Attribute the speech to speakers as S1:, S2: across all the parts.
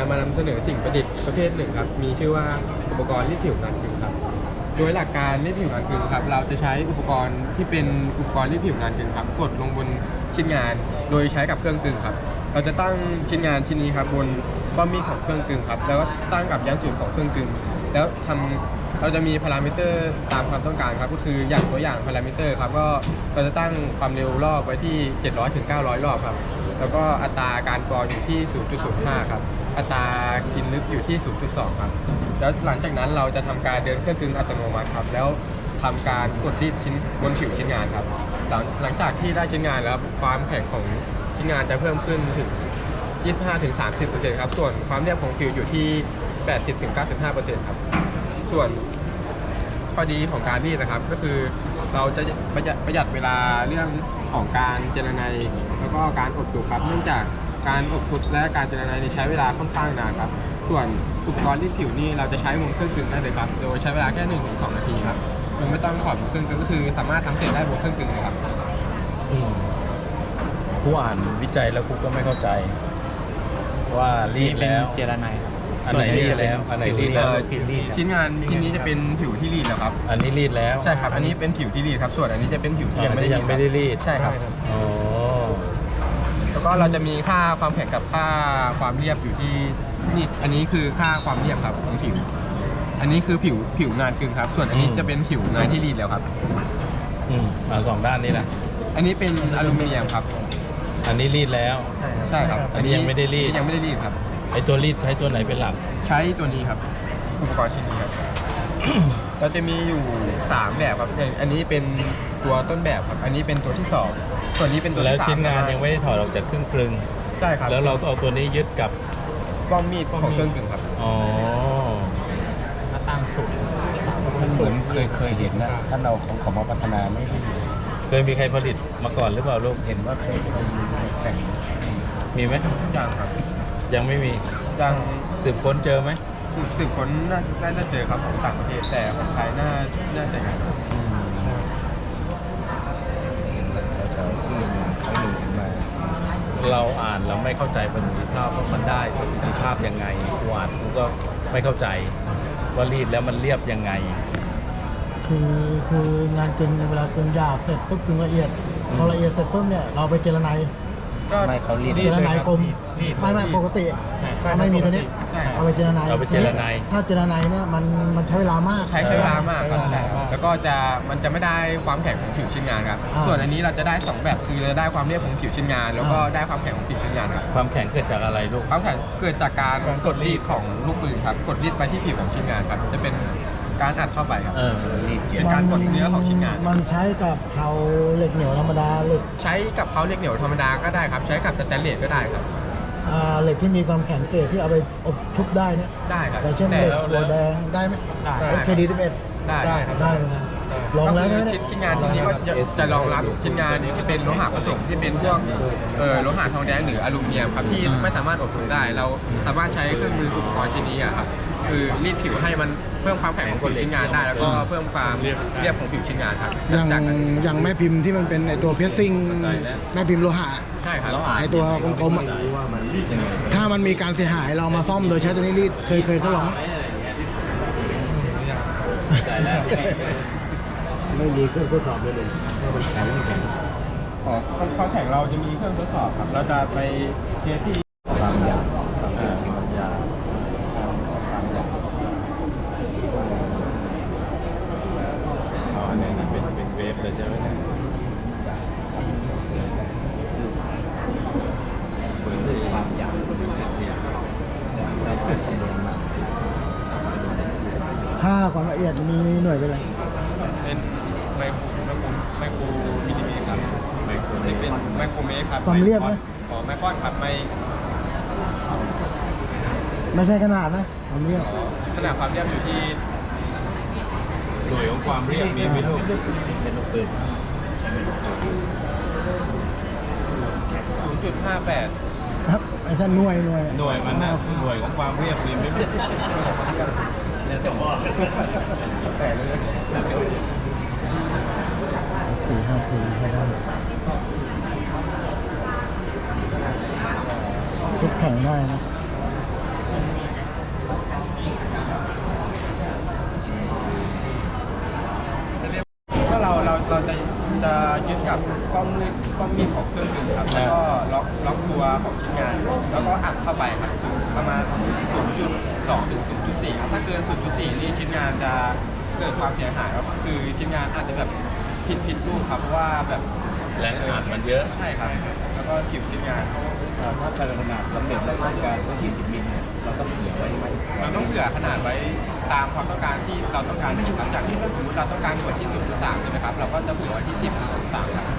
S1: จะมานำเสนอสิ่งประดิษฐ์ประเภทหนึ่งครับมีชื่อว่าอุปกรณ์รีดผิวงานกึ่งครับโดยหลักการรีดผิวงานกึ่งครับเราจะใช้อุปกรณ์ที่เป็นอุปกรณ์รีดผิวงานกึ่งครับกดลงบนชิ้นงานโดยใช้กับเครื่องกึ่งครับเราจะตั้งชิ้นงานชิ้นนี้ครับบนป้อมมีดของเครื่องกึ่งครับแล้วก็ตั้งกับยันจุดของเครื่องกึ่งแล้วเราจะมีพารามิเตอร์ตามความต้องการครับก็คืออย่างตัวอย่างพารามิเตอร์ครับก็เราจะตั้งความเร็วรอบไว้ที่700 ถึง 900 รอบครับแล้วก็อัตราการกรออยู่ที่ 0.05 ครับอัตรากินลึกอยู่ที่ 0.2 ครับแล้วหลังจากนั้นเราจะทำการเดินเครื่องกึ่งอัตโนมัติครับแล้วทำการกดรีดชิ้นบนผิวชิ้นงานครับหลังจากที่ได้ชิ้นงานแล้วความแข็งของชิ้นงานจะเพิ่มขึ้นถึง 25-30% ครับส่วนความเรียบของผิวอยู่ที่ 80-95% ครับส่วนข้อดีของการรีดนะครับก็คือเราจะประหยัดเวลาเรื่องของการเจรไนแล้วก็การอบชุบครับเนื่องจากการอบชุบและการเจรไนใช้เวลาค่อนข้างนานครับส่วนอุปกรณ์รีดผิวนี่เราจะใช้บนเครื่องกึ่งได้เลยครับโดยใช้เวลาแค่ 1-2 นาทีครับโดยไม่ต้องถอดบนเครื่องกึ่งก็คือสามารถทำเสร็จได้บนเครื่องกึ่งเลยครับ
S2: ผู้อ่านวิจัยแล้วกูก็ไม่เข้าใจว่ารีดแล้ว
S3: เจรไน
S2: อันไหนรีดแล้วอันไหนรีดแล้ว
S1: ชิ้นงานชิ้นนี้จะเป็นผิวที่รีดแล้วครับ
S2: อันนี้รีดแล้ว
S1: ใช่ครับอันนี้เป็นผิวที่รีดครับส่วนอันนี้จะเป็นผิวที่ยังไม่ได้รีดใช่ครับ
S2: อ๋อ
S1: แล้วก็เราจะมีค่าความแข็งกับค่าความเรียบอยู่ที่นี่อันนี้คือค่าความเรียบครับของผิวอันนี้คือผิวงานกึ่งครับส่วนอันนี้จะเป็นผิวงานที่รีดแล้วครับ
S2: สองด้านนี้แหละ
S1: อันนี้เป็นอลูมิเนียมครับ
S2: อันนี้รีดแล้ว
S1: ใช่ครับ
S2: อันนี้ยังไม่ได้รีด
S1: ครับ
S2: ไอตัวรีดใช้ตัวไหนเป็นหลัก
S1: ใช้ตัวนี้ครับอุปกรณ์ชิ้นนี้ครับ เราจะมีอยู่3แบบครับอันนี้เป็นตัวต้นแบบครับอันนี้เป็นตัวที่2ส่วนนี้เป็นตัวที่3
S2: แล้วชิ้นงานยังไม่ได้ถอดออกจากเครื่องกลึง
S1: ใช่ครับ
S2: แล้วเราก็เอาตัวนี้ยึดกับ
S1: ป้อมมีดของเครื่องกลึงครับ
S2: อ๋อ
S3: มาตั้งสูง
S4: เคยเห็นนะท่านเราของมาพัฒนาไม่ได้
S2: เคยมีใครผลิตมาก่อนหรือเปล่าลูก
S4: เห็นว่าเคยแข่ง
S2: มีไหม
S1: ยังครับ
S2: ยังไม่มี
S1: ยัง
S2: สืบค้นเจอไหม
S1: สืบค้นน่าจะเจอครับของต่างประเทศแต่ของไทยน่าจะยัง
S4: แถวที่เขาหนึ่งมา
S2: เราอ่านเราไม่เข้าใจประสิทธิภาพว่ามันได้ประสิทธิภาพยังไงกูอ่านกูก็ไม่เข้าใจว่ารีดแล้วมันเรียบยังไง
S5: คืองานกึ่งในเวลากึ่งหยาบเสร็จปุ๊บกึ่งละเอียดพอละเอียดเสร็จปุ๊บเนี่ยเราไปเจรไน
S4: ก็ไม่เขารีด
S5: เจรไนกลมไม่ปกติถ้าไม่มีตัวนี้เอาไปเจรไนถ้าเจรไนเนี่ยมันใช้เวลามาก
S1: ใช้เวลามากครับแล้วก็มันจะไม่ได้ความแข็งของผิวชิ้นงานครับส่วนอันนี้เราจะได้2แบบคือเราได้ความเรียบของผิวชิ้นงานแล้วก็ได้ความแข็งของผิวชิ้นงานครับ
S2: ความแข็งเกิดจากอะไรลูก
S1: ความแข็งเกิดจากการกดรีดของลูกปืนครับกดรีดไปที่ผิวของชิ้นงานครับจะเป็นการอัดเข้าไปครับเป็นการกดเนื้อของชิ้นงาน
S5: มันใช้กับเพลาเหล็กเหนียวธรรมดา
S1: ใช้กับเพลาเหล็กเหนียวธรรมดาก็ได้ครับใช้กับสแตนเลสก็ได้ครับ
S5: เหล็กที่มีความแข็งเกรดที่เอาไปอบชุบได้เนี่ย
S1: ได้ครับ
S5: แต่เช่นเหล็กหัวแดงได้ไหมKD11
S1: ได้ครับ
S5: ได้เหมือนกันลองแล้ว
S1: ชิ้นงานชิ้นนี้ก็จะรองรับชิ้นงานที่เป็นโลหะผสมที่เป็นพวกโลหะทองแดงหรืออลูมิเนียมครับที่ไม่สามารถอบชุบได้เราสามารถใช้เครื่องมืออุปกรณ์ชิ้นนี้ครับคือรีดผิวให้มันเพิ่มความแข็งของผิวชิ้นงานได้แล้วก็เพิ่มความเรียบของผิวชิ้นงานครับ
S5: อย่างแม่พิมพ์ที่มันเป็นไอตัวเพรสซิ่งแม่พิมพ์โลหะ
S1: ใช่ครับ
S5: ไอตัวกลมๆถ้ามันมีการเสียหายเรามาซ่อมโดยใช้ตัวนี้รีดเคยทดลอง
S4: ไม่มีเครื่องทดสอบเลยว่ามันแข็งไม่แข็ง
S1: ความแข็งเราจะมีเครื่องทดสอบครับเราจะไปเทสที่
S4: ความยาวความยาวความยาว
S2: อันนี้เป็นเวฟเลยใช่ไหมเนี่ย
S4: เปิดด้วยความยาวเป็นเสียงได้คำนวณมา
S5: ค่าความละเอียดมีหน่วยเป็นอะไร
S1: เป็นไมโครมิลลิเมตรครับเป็นไมโครเมตรครับ
S5: ความเรียบนะ
S1: ไมครอนครับ
S5: ไม่ใช่ขนาดนะความเรียบ
S1: ขนาดความเรียบอยู่ที่
S2: หน่วยของความเรียบมีไหมลูก
S4: เป็นลูกปืน
S1: 0.58
S5: ครับไอ้ท่านหน่วย
S2: มันนะหน่วยของความเรียบมีไหม
S5: 454ให้ได้ชุดแข่งได้นะ
S1: จะยึดกับป้อมมีดของเครื่องบินครับแล้วก็ล็อกตัวของชิ้นงาน แล้วก็อัดเข้าไปครับประมาณ 0.2 ถึง 0.4 ครับถ้าเกิน 0.4 นี่ชิ้นงานจะเกิดความเสียหายครับคือชิ้นงานอาจจะแบบผิดรูปครับเพราะว่าแบบ
S2: แรงอัดมันเยอะ
S1: ใช่ครับแล้วก็ผิวชิ้นงาน
S4: ถ้าการขนาดสำเร็จแล้วต้องการที่20 มิลเนี่ยเราต้องเผื่อไว้ไหม
S1: เราต้องเผื่อขนาดไว้ตามความต้องการที่เราต้องการหลังจากที่สมมติเราต้องการหน่วยที่ 0.3 ใช่ไหมครับ เราก็จะเผื่อไว้ที่ 10 หรือ 0.3 ครับ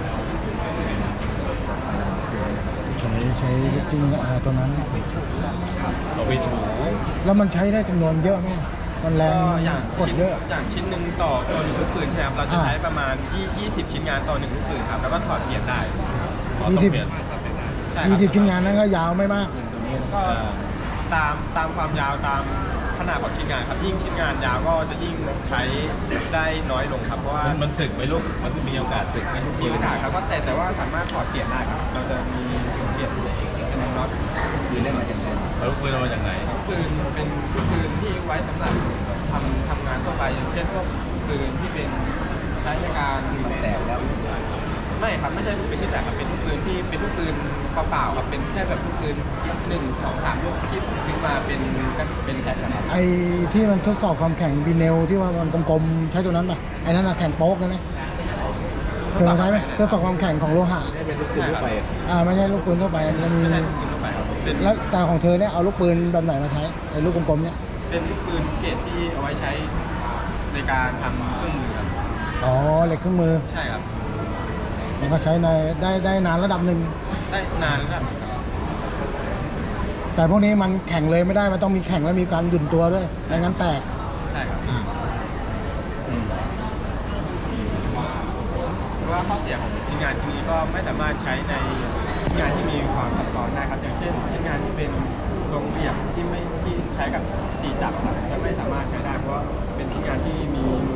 S5: ใช้ลูกกิ้งตัวนั้น
S2: เราไปถู
S5: แล้วมันใช้ได้จำนวนเยอะไหมมันแรง
S1: ก็อย่าง
S5: กดเยอะ
S1: อย่างชิ้นหนึ่งต่อตัวหนึ่งลูกปืนใช่ไหมครับ เราจะใช้ประมาณ 20 ชิ้นงานต่อหนึ่งลูกปืนครับ แล้วก็ถอดเปลี่ยนได้
S2: เราต้องเปลี่ยน
S1: ใช่ครับ
S5: 20ชิ้นงานนั้นก็ยาวไม่มาก
S4: ตัวนี้
S1: ก็ตามความยาวตามขนาดของชิ้นงานครับ ยิ่งชิ้นงานยาวก็จะยิ่งใช้ได้น้อยลงครับ เพราะว่า
S2: มันสึกไหมลูก มันมีโอกาสสึกไหมลูก
S1: มีปัญหาครับว่าแต่ว่าสามารถถอดเปลี่ยนได้ครับ เราจะมีเปลี่ยนเป็นน็อต
S4: คือเล่นมาจากไหน
S2: แล้วลูกปืนเอามาจากไหน
S1: ปืนเป็นปืนที่ไว้สำหรับทำงานทั่วไปอย่างเช่นพวกปืนที่เป็นใช้ในการ
S4: มันแตกแล้ว
S1: ไม่ครับไม่ใช่ลูกปืนที่แตกครับเป็นลูกปืนที่เป็นลูกปืนเปล่าๆครับเป็นแค่แบบลูกปืน1 2 3ลูกที่ผมซื้อมาเป็นแผ่นนะครับ
S5: ไอ้ที่มันทดสอบความแข็งบีเนลที่ว่ามันกลมๆใช้ตัวนั้นป่ะไอ้นั่นอะแข็งโป๊กนะเนี่ยเคยใช้ไหมทดสอบความแข็งของโลหะ
S4: ไม่เป็นลูกปืนทั่วไป
S5: ไม่ใช่ลูกปืนทั่วไปมันมี
S1: ไม่ใช่ลูกปืนทั่วไปครับเป็น
S5: แล้วแต่ของเธอเนี่ยเอาลูกปืนแบบไหนมาใช้ไอ้ลูกกลมๆเนี่ย
S1: เป็นลูกปืนเกรดที่เอาไว้ใช้ในการทำเครื่องมือครับ
S5: อ๋อเหล็กเครื่องมือ
S1: ใช่ครับ
S5: มันก็ใช้ในได้นานระดับหนึ่ง
S1: ได้นานแล้วครับ
S5: แต่พวกนี้มันแข็งเลยไม่ได้มันต้องมีแข็งแล้วมีการหยุ่นตัวด้วยไม่งั้นแตก
S1: ใช่ครับ
S5: อ่า
S1: เพราะว่าข้อเสียของชิ้นงานที่นี้ก็ไม่สามารถใช้ในชิ้นงานที่มีความซับซ้อนได้ครับอย่างเช่นชิ้นงานที่เป็นทรงเหลี่ยมที่ใช้กับ4 จักรครับจะไม่สามารถใช้ได้เพราะว่าเป็นชิ้นงานที่มี